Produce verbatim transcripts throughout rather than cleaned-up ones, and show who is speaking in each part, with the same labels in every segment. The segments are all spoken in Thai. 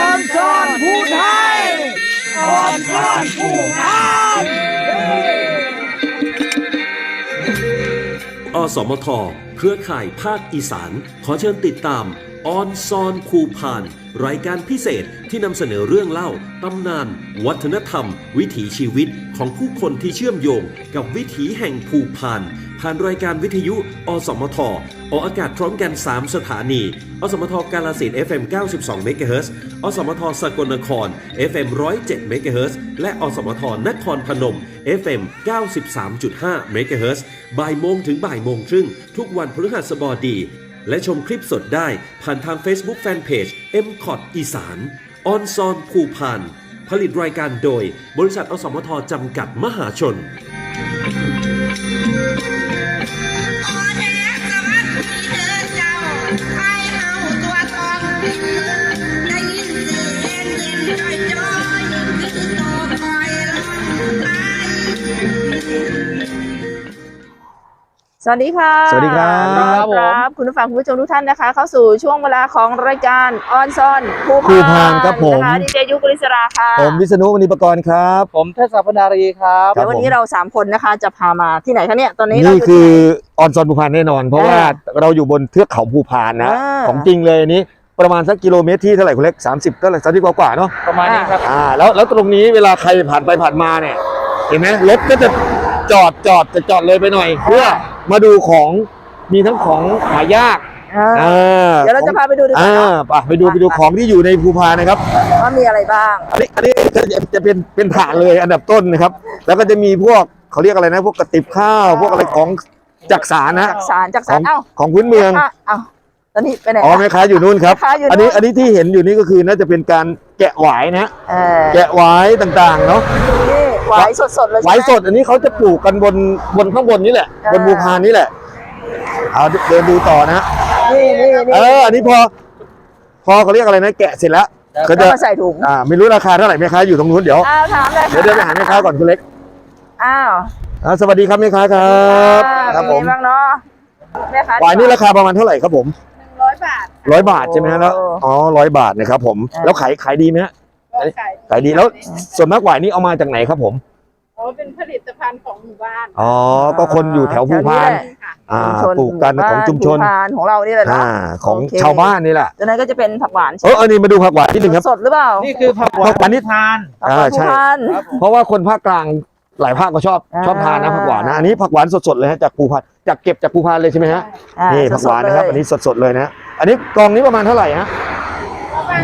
Speaker 1: อนซ่อนผู้ไทยอ่อนซ่อนผู้งาม
Speaker 2: อสมทเครือข่ายภาคอีสานขอเชิญติดตามออนซอนภูพานรายการพิเศษที่นำเสนอเรื่องเล่าตำนานวัฒนธรรมวิถีชีวิตของผู้คนที่เชื่อมโยงกับวิถีแห่งภูพานผ่านรายการวิทยุอสมทออกอากาศพร้อมกันสามสถานีอสมทกาฬสินธุ์ เอฟ เอ็ม เก้าสิบสอง เมกะเฮิรตซ์ อสมทสกลนคร เอฟ เอ็ม หนึ่งร้อยเจ็ด เมกะเฮิรตซ์ และอสมทนครพนม เอฟ เอ็ม เก้าสิบสามจุดห้า เมกะเฮิรตซ์ บ่ายโมงถึงบ่ายโมงครึ่งทุกวันพฤหัสบดีและชมคลิปสดได้ผ่านทาง Facebook Fanpage เอ็ม คอท อีสานออนซอนภูพานผลิตรายการโดยบริษัทอสมทจำกัดมหาชน
Speaker 3: สวัสดีค่ะ
Speaker 4: สวัสดีครับ
Speaker 3: ครับคุณผู้ฟังคุณผู้ชมทุกท่านนะคะเข้าสู่ช่วงเวลาของรายการออนซอนภู
Speaker 4: ภูพานครับผม
Speaker 3: นะคะดีเจยุกฤษราค่ะ
Speaker 4: ผมวิษณุมณีปกรณ์ครับ
Speaker 1: ผมเทศพนารีครับ
Speaker 3: เดี๋ยววันนี้เราสามคนนะคะจะพามาที่ไหนคะเนี่ยตอนนี้เรา
Speaker 4: นี่
Speaker 3: ยู่
Speaker 4: คือ
Speaker 3: ที่ไหน
Speaker 4: ออนซอนภูพานแน่นอน เพราะ
Speaker 3: อ่า
Speaker 4: ว่าเราอยู่บนเทือกเขาภูพานนะ
Speaker 3: อ่า
Speaker 4: ของจริงเลยอันนี้ประมาณสักกิโลเมตรที่เท่าไหร่คุณเล็กสามสิบเท่าไหร่สามสิบกว่าๆเนาะ
Speaker 1: ประมาณนี้ครับ
Speaker 4: อ่าแล้วแล้วตรงนี้เวลาใครผ่านไปผ่านมาเนี่ยเห็นไหมรถก็จะจอดจอดจะจอดเลยไปหน่อย เพื่อมาดูของมีทั้งของหายาก
Speaker 3: อ่า
Speaker 4: อ่า
Speaker 3: เดี๋ยวเราจะพาไปดูดีกว่า
Speaker 4: อ่า
Speaker 3: เนาะ
Speaker 4: ไปไปดูไปดูของที่อยู่ในภูพานนะครับ
Speaker 3: ว่ามีอะไรบ้าง
Speaker 4: อันนี้อันนี้จะจะเป็นเป็นฐานเลยอันดับต้นนะครับ แล้วก็จะมีพวกเขาเรียกอะไรนะ พวกกระติบข้าว พวกอะไรของจักสารนะ
Speaker 3: จากสารจาก
Speaker 4: ข
Speaker 3: สา
Speaker 4: อ
Speaker 3: รง เอ้า
Speaker 4: ของพื้นเมือง
Speaker 3: ะเอ้าตอนนี้ไปไหน
Speaker 4: อ๋อแม่ค้าอยู่นู่นครับ
Speaker 3: แม่ค้าอยู่
Speaker 4: อันนี้
Speaker 3: นู่น
Speaker 4: อันนี้ที่เห็นอยู่นี่ก็คือน่าจะเป็นการแกะหวายนะ
Speaker 3: เออ
Speaker 4: แกะหวายต่างๆเนาะ
Speaker 3: นี่หวายสดๆเลย
Speaker 4: หวาย
Speaker 3: ใช่ไม
Speaker 4: สดอันนี้เขาจะปลูกกันบนบนข้างบนนี่แหละ
Speaker 3: อ่า
Speaker 4: บนภูพานนี่แหละเอาเดินดูต่อนะ
Speaker 3: นี่นี่
Speaker 4: เอ
Speaker 3: นี่
Speaker 4: ออันนี้พอ พอเขาเรียกอะไรนะแกะเสร็จแล้วก็
Speaker 3: ก็
Speaker 4: จะ
Speaker 3: มาใส่ถุง
Speaker 4: อ่าไม่รู้ราคาเท่าไหร่แม่ค้าอยู่ตรงนู้นเดี๋ยว
Speaker 3: อ้าวถามเลย
Speaker 4: เดี๋ยวเดินไปหาแม่ค้าก่อนคุณเล็ก
Speaker 3: อ้าว
Speaker 4: อ่าสวัสดีครับแม่ค้าครับครับผม
Speaker 3: เป็นไงบ้างเนาะแม่ค้า
Speaker 4: หวายนี่ราคาประมาณเท่าไหร่ครับผม
Speaker 3: ร้อยบาท
Speaker 4: ร้อยบาทใช่ไหมฮะแล้ว
Speaker 3: โอ้
Speaker 4: อ๋อร้อยบาทนะครับผม
Speaker 3: อ่า
Speaker 4: แล้วขายขายดีไหมฮะ
Speaker 5: ก็ขาย
Speaker 4: ขายดีแล้วส่วนมากหวายนี่เอามาจากไหนครับผม
Speaker 5: อ๋อเป็นผลิตภัณฑ์ของหมู่บ้าน
Speaker 4: อ๋อก็คนอยู่แถวภูพาน
Speaker 5: ค่ะ
Speaker 4: อ่า
Speaker 3: ชุมชน
Speaker 4: ปลูกกันของชุมชน
Speaker 3: ภูพานของเรานี่แหละเนาะ
Speaker 4: อ่าของ
Speaker 3: โอเค
Speaker 4: ชาวบ้านนี่แหละ
Speaker 3: จากนั้นก็จะเป็นผักหวาน
Speaker 4: เอออันนี้มาดูผักหวานนิดนึงครับ
Speaker 3: สดหรือเปล่า
Speaker 1: นี่คือผักหวาน
Speaker 4: ผักหวานนี่
Speaker 1: ทาน
Speaker 3: ผักหวาน
Speaker 4: อ่า
Speaker 3: ภู
Speaker 4: ใช่
Speaker 3: พาน
Speaker 1: ครับผม
Speaker 4: เพราะว่าคนภาคกลางหลายภาคก็ชอบ
Speaker 3: อ่า
Speaker 4: ชอบทานนะผักหวานนะอันนี้ผักหวานสดๆเลยฮะจากภูพานจากเก็บจากภูพานเลยใช่ไหมฮะ
Speaker 3: อ่า
Speaker 4: นี่ผักหวานนะครับ
Speaker 3: สดๆเลย
Speaker 4: อันนี้สดๆเลยนะอันนี้กองนี้ประมาณเท่าไหร่ฮะ
Speaker 5: ประมาณ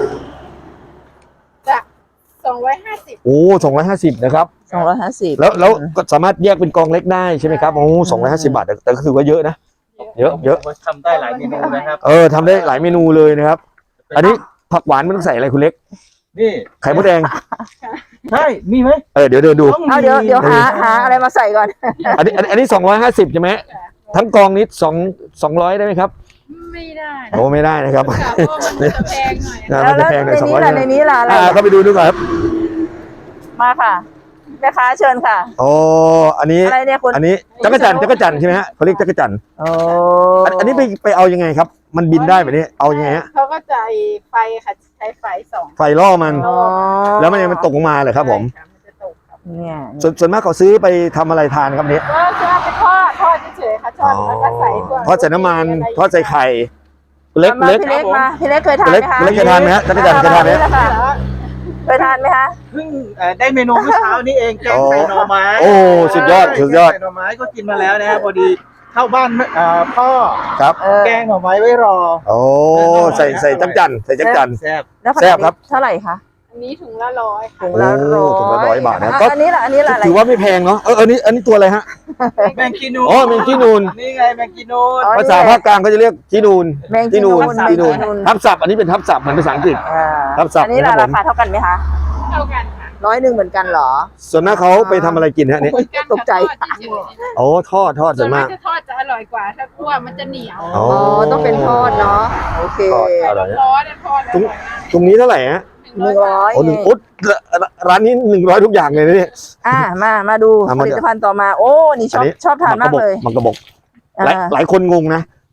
Speaker 5: จะสองร้อยห้าสิบ
Speaker 4: โอ้สองร้อยห้าสิบนะครับ
Speaker 3: สองร้อยห้าสิบ
Speaker 4: แล้วแล้วก็สามารถแยกเป็นกองเล็กได้ใช่ไหมครับโอ้สองร้อยห้าสิบบาทแต่แต่ก็ถือว่าเยอะนะ เยอะเยอะ
Speaker 1: ทำได้หลายเมนูนะครับ
Speaker 4: เออทำได้หลายเมนูเลยนะครับ อันนี้ผักหวานมันต้องใส่อะไรคุณเล็ก
Speaker 1: นี่
Speaker 4: ไข่มดแดง
Speaker 1: ใช่มีไหม
Speaker 4: เออเดี๋ยวเดินดู
Speaker 1: ต้องมี
Speaker 3: เอาเดี๋ยวเดี๋ยวหาหาอะไรมาใส่ก่อน
Speaker 4: อันนี้อันนี้อันนี้สองร้อยห้าสิบใช่ไหมทั้งกองนี้สองสองร้อยได้ไหมครับ
Speaker 5: ไม่ได้
Speaker 4: โอ้ไม่ได้นะครับ
Speaker 5: ค่ะเพราะว่ามันจะแพงหน่อย
Speaker 4: อ่า
Speaker 3: แล้ว
Speaker 4: มันจะ
Speaker 3: แล้ว
Speaker 4: แพงหน่
Speaker 3: ใน
Speaker 4: อยสอง
Speaker 3: นี้
Speaker 4: ร้อย
Speaker 3: ล่ะในนี้ล่ะอะไร
Speaker 4: อ่าเข้าไปดูดูก่อนครับ
Speaker 3: มาค่ะแม่ค้าเชิญค่ะ
Speaker 4: โอ้อันนี้
Speaker 3: อะไรเนี่ยคุณ
Speaker 4: อันนี้จักรจันทร์จักรจันทร์ใช่ไหมฮะเขาเรียกจักรจันทร์
Speaker 3: โอ้
Speaker 4: อันอันนี้ไปไปเอายังไงครับ มันบินได้แบบนี้เอายังไงฮะ
Speaker 5: เขาก็จะไฟค่ะใช้ไฟสอง
Speaker 4: ไฟล่อมัน
Speaker 3: อ๋อ
Speaker 4: แล้วมันยังมันตกลงมาเลยครับผม
Speaker 5: ใช่ะมันจะตกครับ
Speaker 3: เนี่ย
Speaker 4: ส่วนส่วนมากเขาซื้อไปทำอะไรทานครับเนี้ย
Speaker 5: ก็จะเอาไปทอดทอดเฉยๆค่ะทอดแล้วก็ใส่พวก
Speaker 4: ทอดใส่น้ำมัน
Speaker 5: ะไร
Speaker 4: ทอดใส่ไข่เล็ก
Speaker 3: มา
Speaker 4: เล็ก
Speaker 3: พี่เล็กมาพี่เล็กเคยทาน
Speaker 4: เล็ก
Speaker 3: ไหมคะ
Speaker 4: เล็กเคยทานไหมฮะจักรจันทร์เคยทานไหม
Speaker 3: แหละค่ะเคยทานไหมคะ
Speaker 1: เพิ่งเอ่อได้เมนูเมื่อเช้านี้เองแกงใส่หน่อไม้
Speaker 4: โอ้สุดยอดสุดยอด
Speaker 1: แกงใส่หน่อไม้ก็กินมาแล้วนะครับพอดีเข้าบ้านเอ่อพ่อ
Speaker 4: ครับ
Speaker 3: เออ
Speaker 1: แกงหน่อไม้ไว้รอ
Speaker 4: โอ้ใส่ใส่จักรจันทร์ใส่จักรจันทร์
Speaker 1: แซ่บ
Speaker 3: แล้วผัก
Speaker 4: แซ่บครับ
Speaker 3: เท่าไหร่คะ
Speaker 5: อันนี้ถุงละร้อยค่ะ
Speaker 3: ถุงละ
Speaker 4: โอ้
Speaker 3: ร้อย
Speaker 4: ถุงละร้อยบาทนะ
Speaker 3: อ่
Speaker 4: ก็
Speaker 3: อันนี้ล่ะอันนี้ล่ะอะไร
Speaker 4: ถือว่าไม่แพงเนาะเอออันนี้อันนี้ตัวอะไรฮะ
Speaker 1: แมงกีนูน
Speaker 4: อ๋อแมงจีนูน
Speaker 1: นี่ไงแมงกีนูน
Speaker 3: อ๋อ
Speaker 4: ภาษาภาคกลางเขาจะเรียกจีนูน
Speaker 3: แมงจีนูน
Speaker 4: จีนูน
Speaker 3: แมงจีนูน
Speaker 4: ทับศัพท์อันนี้เป็นทับศัพท์เหมือนภาษาอังกฤษ
Speaker 3: อ่า
Speaker 4: ครับสับ
Speaker 3: อันนี้ล่ะ
Speaker 4: นะครับผม
Speaker 3: ราคาเท่ากันไหมคะ
Speaker 5: เท่ากันค่ะ
Speaker 3: ร้อยหนึ่งเหมือนกันเหรอ
Speaker 4: ส่วนมากเขาไปทำอะไรกินฮะเนี่ย
Speaker 3: ตกใจ
Speaker 5: ทอดเฉย
Speaker 4: โอ้ทอดทอด
Speaker 5: ๆ
Speaker 4: ส่
Speaker 5: ส่
Speaker 4: ว
Speaker 5: วน นาก ก
Speaker 4: มาม
Speaker 5: จะทอดจะอร่อยกว่าถ้าคั่วมันจะเหนียว
Speaker 4: อ๋
Speaker 3: อ๋
Speaker 4: อ
Speaker 3: อต้องเป็นทอดเนาะโอเค
Speaker 4: ทอดอร่อยนะ
Speaker 5: ร้อนๆทอด
Speaker 4: ตรงตรงนี้เท่าไหร่ฮะ
Speaker 3: หนึ่งร้อย
Speaker 4: โอ้หนึ่งอุ๊ดร้านนี้หนึ่งร้อยทุกอย่างเลยนะเนี่ย
Speaker 3: อ่ามามาดู
Speaker 4: อ่ะ
Speaker 3: ผ
Speaker 4: มาดู
Speaker 3: ลิตภัณฑ์ต่อมา โอ้นี่ชอบชอบทานมากเลย
Speaker 4: มันกระบอก
Speaker 3: อ่า
Speaker 4: หลายหลายคนงงนะ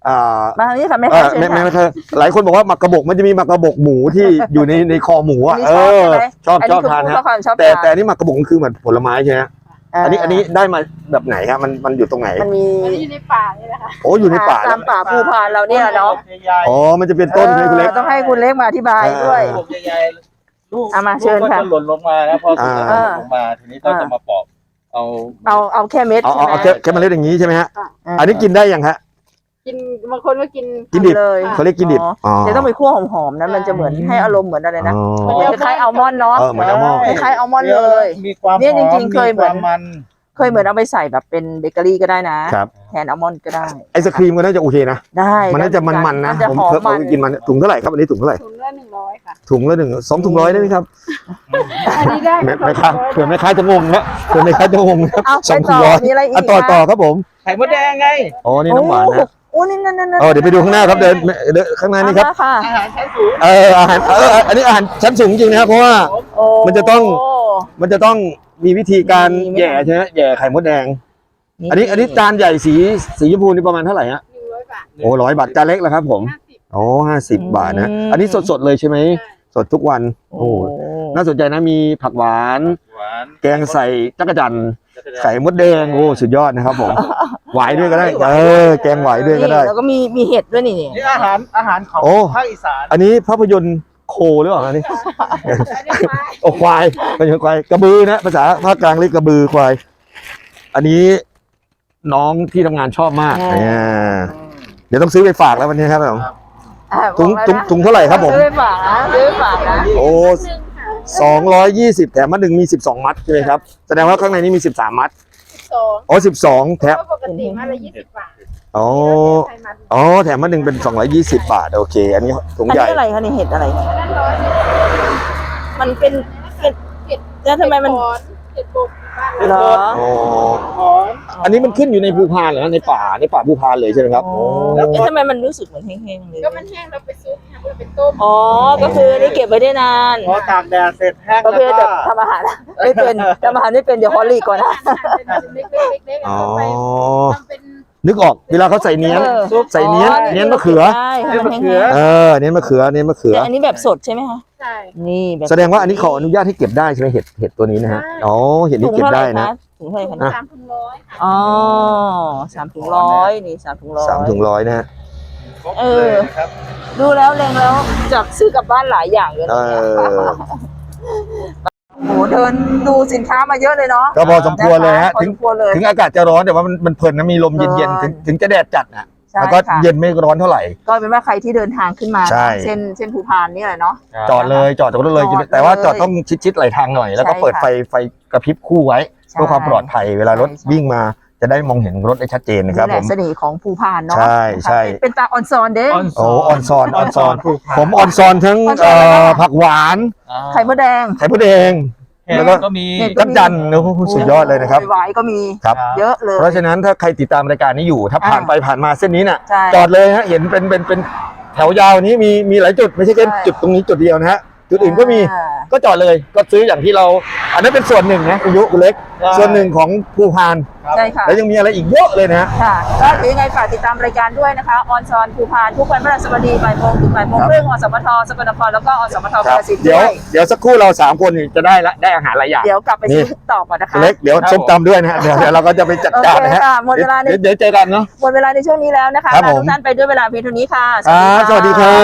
Speaker 4: อ่า
Speaker 3: มาทางนี้ค่ะแม่
Speaker 4: เอ
Speaker 3: ค้า
Speaker 4: อ
Speaker 3: เชิญ
Speaker 4: ไม่ไม่
Speaker 3: ค่ะ
Speaker 4: ไม่ใช่หลายคนบอกว่าหมักกระบอกมันจะมีหมักกระบอกหมูที่อยู่ในในคอหมูอ่ะ
Speaker 3: อันนี้
Speaker 4: เอ
Speaker 3: ชอบใช่ไหม
Speaker 4: อชอบ
Speaker 3: อัน
Speaker 4: ช
Speaker 3: นี้
Speaker 4: อบ
Speaker 3: คือ
Speaker 4: ทาน
Speaker 3: พูด
Speaker 4: ฮะ
Speaker 3: เพราะความชอบ
Speaker 4: แต่
Speaker 3: ทาน
Speaker 4: แต่อันนี่หมักกระบอกมันคือเหมือนผลไม้ใช่ไหมอันนี้อันนี้ได้มาแบบไหนครับมันมันอยู่ตรงไหน
Speaker 3: มันมี
Speaker 5: มันอยู่ในป่านี่แหละค่ะ
Speaker 4: โอ้อยู่ในป่า
Speaker 3: ตามป่าภูพานเราเนี่ยเนาะ
Speaker 4: อ๋อมันจะเป็นต้นใช่ไหมคุณเล็ก
Speaker 3: ออต้องให้คุณเล็กมาอธิบายด้วย
Speaker 4: อ่า
Speaker 1: ลูกใหญ่ๆลูก
Speaker 3: เอามาเชิญ
Speaker 1: ลูก
Speaker 3: ค่ะ
Speaker 1: ก็จะหล่นลงมานะพอสุกแล้ว
Speaker 3: อ่า
Speaker 1: หล่นลงมาทีนี้ก็จะมาปอกเอา
Speaker 3: เอาเอาแค่เม็ด
Speaker 4: เอา
Speaker 3: ใช่
Speaker 4: เอา
Speaker 3: ไหม
Speaker 4: เอาแค่แค่เมล็ดอย่างนี้ใช่ไหมฮะ
Speaker 3: า
Speaker 4: อันนี้กินได้ยังฮะ
Speaker 5: กินบางคนก็กิน
Speaker 4: กินดิบ
Speaker 3: เลย
Speaker 4: เขาเรียกกินดิบอ๋อ
Speaker 3: เดี๋ยวต้องไปคั่วหอมๆนะมันจะเหมือนให้อารมณ์เหมือนอะไรนะ
Speaker 4: อ๋อ
Speaker 3: เหมือนคล้ายๆอัลมอนด์เนาะ
Speaker 4: เออเหมือนอัลมอนด์
Speaker 3: คล้ายๆอัลมอนด์เลย
Speaker 1: มีความ
Speaker 3: เนี่ย
Speaker 1: หอม
Speaker 3: จริงๆเคยเหมือน
Speaker 1: ความมัน
Speaker 3: เคยเหมือนเอาไปใส่แบบเป็นเบเกอรี่ก็ได้นะครับ แทนอัลมอนด์ก็ได้
Speaker 4: ไอศครีมก็น่าจะโอเคนะ
Speaker 3: ได้
Speaker 4: มันน่าจะมันๆนะ
Speaker 3: มันจะ
Speaker 4: ผม
Speaker 3: หอม
Speaker 4: เคย
Speaker 3: มัน
Speaker 4: เคยกินมันถุงเท่าไหร่ครับอันนี้ถุงเท่าไหร่
Speaker 5: ถุงละหนึ่งร้อยค่ะ
Speaker 4: ถุงละหนึ่งสองถุงร้อยได้ไหมครับ
Speaker 5: อันนี้ได้
Speaker 4: ไม่
Speaker 5: ค่ะ
Speaker 4: ไม่ค้าเผื่อไม่ค้าจะงงนะเผื่อไม่ค้าจะงงนะครับ
Speaker 3: เอา
Speaker 4: สอง
Speaker 3: ไป
Speaker 4: ถุ
Speaker 3: ต่
Speaker 4: ง
Speaker 3: อ
Speaker 4: ร้อย
Speaker 3: มีอะไรอีก
Speaker 4: อ่ะต่อ
Speaker 3: คะ
Speaker 4: ต่อครับผม
Speaker 1: ไข่มดแดงไง
Speaker 4: อ๋อนี่น้ำหวานนะ
Speaker 3: โอ้นี่นั่นนั่นนั่น
Speaker 4: เออเดี๋ยวไปดูข้างหน้าครับเดินเดินข้างหน้านี่ครับ
Speaker 3: เอามาค่ะ
Speaker 1: อาหารชั้นสูง
Speaker 4: เอออาหารเอออันนี้อาหารชั้นสูงจริงนะครับเพราะว่า
Speaker 3: โอ้
Speaker 4: มันจะต้อง มันจะต้องมีวิธีการ
Speaker 3: มีไหม
Speaker 4: แหย่ใช่ไหมแหย่ไข่มดแดง อันนี้อันนี้จานใหญ่สีสีชมพูนี่ประมาณเท่าไหร่ฮะ
Speaker 5: หนึ่งร้อยบาท
Speaker 4: โอ้ร้อยบาทจานเล็กแล้วครับผม
Speaker 5: ห้าสิบ
Speaker 4: โอ้ห้าสิบบาทนะ
Speaker 3: อืม
Speaker 4: อันนี้สดๆเลยใช่ไหมสดทุกวัน
Speaker 3: โอ้
Speaker 4: โอ้น่าสนใจนะมีผักหวาน
Speaker 1: หวาน
Speaker 4: แกงใส่จักรจันทร์ไข่มดแดงโอ้สุดยอดนะครับผมหวายด้วยก็ได้เออแกงหวายด้วยก็ได้
Speaker 3: นี่แล้วก็มีมีเห็ดด้วยนี่
Speaker 1: นี่อาหารอาหารของ
Speaker 4: โอ้
Speaker 1: ภาคอีสาน
Speaker 4: อันนี้ภาพยนตร์โคหรือเปล่าอันนี้
Speaker 5: อันนี้ไม้
Speaker 4: โอ้ควายเป็นควายกระบือนะภาษาภาคกลางเรียกกระบือควาย อันนี้น้องที่ทำงานชอบมากเนี่ยเดี๋ยวต้องซื้อไปฝากแล้ววันนี้ครับผม
Speaker 3: อ่ะ
Speaker 4: ถุง
Speaker 3: บอก
Speaker 4: ถุง
Speaker 3: แล้วนะ
Speaker 4: ถุงเท่าไหร่ครับผม
Speaker 3: ซื้อไปฝากนะซื้อไปฝากนะ
Speaker 4: โอ้
Speaker 5: หนึ่งค่ะ
Speaker 4: สองร้อยยี่สิบแถมมาหนึ่งมีสิบสองมัดใช่ไหมครับแสดงว่าข้างในนี้มีสิบสามมัด
Speaker 5: สอง
Speaker 4: อ๋อสิบสองแถม
Speaker 5: เพราะปกติมาละยี่สิบบาท
Speaker 4: อ๋อ
Speaker 5: ไข่มัน
Speaker 4: อ๋อแถมมาหนึ่งเป็นสองร้อยยี่สิบบาทโอเค อันนี้ถุง
Speaker 3: อัน
Speaker 4: ใหญ่
Speaker 3: นี้อะไรคะนี่เห็ดอะไร
Speaker 5: อันนั้นร้อย
Speaker 3: มันเป็นเห็ด
Speaker 5: เห็ด
Speaker 3: แล้วทำไมมัน
Speaker 5: เห็ดขอนเห็ดบกบ้าน
Speaker 3: เหร
Speaker 5: เรา
Speaker 3: อ
Speaker 4: อ๋อ
Speaker 1: หอม
Speaker 4: อันนี้มันขึ้นอยู่ในภูพานเหรอในป่าในป่าภูพานเลยใช่ไหมครับ
Speaker 3: อ๋อ
Speaker 4: โอ้
Speaker 3: แล้วทำไมมันรู้สึกเหมือนแห้งๆเลย
Speaker 5: ก็มันแห้งเราไปซุปทำเราไปต้ม
Speaker 3: อ๋อก็คือได้เก็บไว้ได้นาน
Speaker 1: พอตากแดดเสร็จแห้ง
Speaker 3: ประ
Speaker 1: แล้ว
Speaker 3: เภท
Speaker 1: ก็
Speaker 3: แบบทำอาหารไม่เป็นทำอาหารไม่เป็นเดี๋ยวฮอลลี่ก่อนนะ
Speaker 5: หั่นเป็นเล็กๆเล็กๆ
Speaker 4: อ๋อ
Speaker 5: เอาไปทำเป็น
Speaker 4: นึกออกเวลาเขาใส่เนี้ยน
Speaker 3: เออ
Speaker 4: ใส่เนี้ยนเนี้ยนมะเขือ
Speaker 3: ใช่ให้มันแห้ง
Speaker 4: เออเนี้ยนมะเขือเนี้ยนมะเขื
Speaker 3: ๆ
Speaker 4: อ
Speaker 3: แต่อันนี้แบบสดใช่ไหมคะ
Speaker 5: ใช่
Speaker 3: นี่แบบ
Speaker 4: แสดงว่าอันนี้ขออนุญาตให้เก็บได้ใช่ไหมเห็ดเห็ดตัวนี้นะฮะอ๋อเห็ด
Speaker 3: ถุ
Speaker 4: นี้
Speaker 3: ง
Speaker 4: เก็บ
Speaker 3: เท่าไห
Speaker 4: ได้
Speaker 3: ร่
Speaker 4: นะ
Speaker 3: คะถุงเท่าไหร่คะ
Speaker 4: อ่ะ
Speaker 5: สามถุงร้อยค่ะ
Speaker 3: อ๋อสามถุงร้อยนี่สามถุงร้อย
Speaker 4: สามถุงร้อยนะฮะ
Speaker 1: ครบ
Speaker 3: เอ
Speaker 1: เล
Speaker 3: อ
Speaker 1: ยครับ
Speaker 3: ดูแล้วเล็งแล้วจากซื้อกลับบ้านหลายอย่างเลย
Speaker 4: เอ
Speaker 3: นะเนี่ย
Speaker 4: อ
Speaker 3: โอ้โหเดินดูสินค้ามาเยอะเลยเนาะ
Speaker 4: ก็พอสมควรเลยฮะ
Speaker 3: พอ
Speaker 4: ถึง
Speaker 3: สมควรเลย
Speaker 4: ถึงอากาศจะร้อนแต่ว่ามันมันเพลินนะมีลมเย็นๆ
Speaker 3: เพลิ
Speaker 4: ถึ
Speaker 3: น
Speaker 4: งถึงจะแดดจัดนะ
Speaker 3: ใช่
Speaker 4: แล้วก็
Speaker 3: ค่ะ
Speaker 4: เย็นไม่ร้อนเท่าไหร่
Speaker 3: ก็เป็นว่าใครที่เดินทางขึ้นมา
Speaker 4: ใช่
Speaker 3: เส้นเส้นภูพานนี่แหละเนาะ
Speaker 4: จอดเลยจอดจากรถเลย
Speaker 3: จอดเลย
Speaker 4: แต่ว่าจอดต้องชิดๆไหลทางหน่อย แล้วก็
Speaker 3: ใช่
Speaker 4: เปิด
Speaker 3: ค่ะ
Speaker 4: ไฟไฟกระพริบคู่ไว้
Speaker 3: ใช่
Speaker 4: เพื่อความปลอดภัยเวลารถ
Speaker 3: ใช่ใช่
Speaker 4: วิ่งมาจะได้มองเห็นรถได้ชัดเจนนะครับ
Speaker 3: นี่แห
Speaker 4: ผ
Speaker 3: ละ
Speaker 4: ม
Speaker 3: เสน่ห์ของภูพานเนาะ
Speaker 4: ใช่ใช่
Speaker 3: เป็นเป็นตาออนซอนเด้
Speaker 4: โอ้ออนซอนออนซอน
Speaker 1: ผูกพัน
Speaker 4: ผมออนซอนทั้ง
Speaker 3: ออนซอน
Speaker 4: เอ่
Speaker 3: อะไร
Speaker 4: อ
Speaker 3: บ้าง
Speaker 4: ผักหวาน
Speaker 1: อ่า
Speaker 3: ไข่มดแดง
Speaker 4: ไข่มดแดง
Speaker 1: เห็ด
Speaker 4: แล้วก็
Speaker 1: ก็มี
Speaker 3: เห็ด
Speaker 4: จักรจันทร์โอ้โหสุดยอดเลยนะครับ
Speaker 3: หวายก็มี
Speaker 4: ครับ
Speaker 3: เยอะเลย
Speaker 4: เพราะฉะนั้นถ้าใครติดตามรายการนี้อยู่ ถ้าผ่าน
Speaker 3: อ่า
Speaker 4: ไปผ่านมาเส้นนี้น่ะ
Speaker 3: ใช่
Speaker 4: จอดเลยฮะเห็นเป็นเป็นเป็นแถวยาวนี้มีมีหลายจุดไม่ใช่แค่
Speaker 3: ใช่
Speaker 4: จุดตรงนี้จุดเดียวนะฮะจุดอื่นก็มี
Speaker 3: อ่า
Speaker 4: ก็จอดเลยก็ซื้ออย่างที่เรา อันนั้นเป็นส่วนหนึ่งนะคุณยุคุณเล็ก
Speaker 1: ใช่
Speaker 4: ส่วนหนึ่งของภูพาน
Speaker 3: ใช่ค่ะ
Speaker 4: แล้วยังมีอะไรอีกเยอะเลยนะฮะ
Speaker 3: ค่ะก็ถือยังไงฝากติดตามรายการด้วยนะคะออนซอนภูพานทุกวันพฤหัสบดีบ่ายโมงถึงบ่ายโมง
Speaker 4: ครับ
Speaker 3: ครึ่งอสมทสกลนครแล้วก็อสมท
Speaker 4: ค
Speaker 3: กา
Speaker 4: รับ
Speaker 3: ฬสินธุ์
Speaker 4: เดี๋ยว
Speaker 3: ด้วย
Speaker 4: เดี๋ยวสักครู่เราสามคนนี่จะได้ละได้อาหารหลายอย่าง
Speaker 3: เดี๋ยวกลับไป
Speaker 4: นี่
Speaker 3: ซื้อต่อก่อนนะคะ
Speaker 4: คุณเล็กเดี๋ยวส้มตำด้วยนะฮะเดี๋ยวเดี๋ยวเราก็จะไปจัดการนะฮะ
Speaker 3: โอเคค่ะหมดเวลาใน
Speaker 4: เดี๋ยวเดี๋ยวเจอกันเนาะ
Speaker 3: หมดเวลาในช่วงนี้แล้วนะคะ
Speaker 4: ครับ
Speaker 3: ลา
Speaker 4: ผม
Speaker 3: ทุกท่านไปด้วยเวลาเพียงเท่านี้ค่ะ
Speaker 4: ครับสวัสดีครับ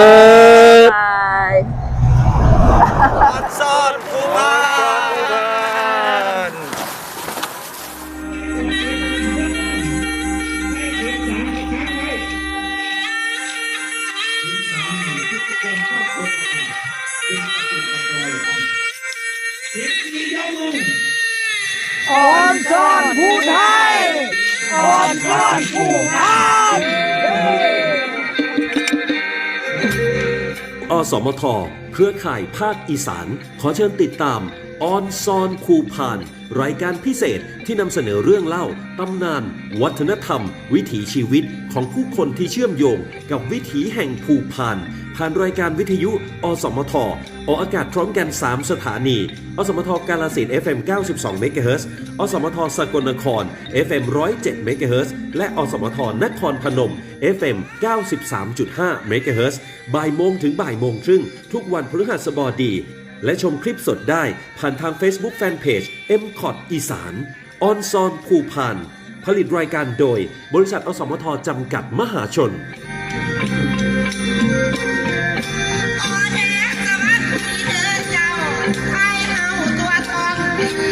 Speaker 3: บาย
Speaker 4: ซ่อนภูพาน
Speaker 1: ออนซอนผู้ไทยออนซอนผู้ไทย
Speaker 2: อสมท เครือข่ายภาคอีสาน ขอเชิญติดตามออนซอนคูพาน รายการพิเศษที่นำเสนอเรื่องเล่า ตำนาน วัฒนธรรม วิถีชีวิตของผู้คนที่เชื่อมโยงกับวิถีแห่งภูพานผ่านรายการวิทยุอสมทออกอากาศพร้อมกันสามสถานีอสมทกาฬสินธุ์ เอฟ เอ็ม เก้าสิบสองเมกะเฮิรตซ์อสมทสกลนคร เอฟ เอ็ม หนึ่งร้อยเจ็ดเมกะเฮิรตซ์และอสมทนครพนม เอฟ เอ็ม เก้าสิบสามจุดห้าเมกะเฮิรตซ์บ่ายโมงถึงบ่ายโมงครึ่งทุกวันพฤหัสบดีและชมคลิปสดได้ผ่านทาง Facebook Fanpage เอ็ม คอท อีสานออนซอนภูพานผลิตรายการโดยบริษัทอสมทจำกัดมหาชน
Speaker 6: ออแดสวัสดีเด้อเจ้าไทยเฮาตัวทอง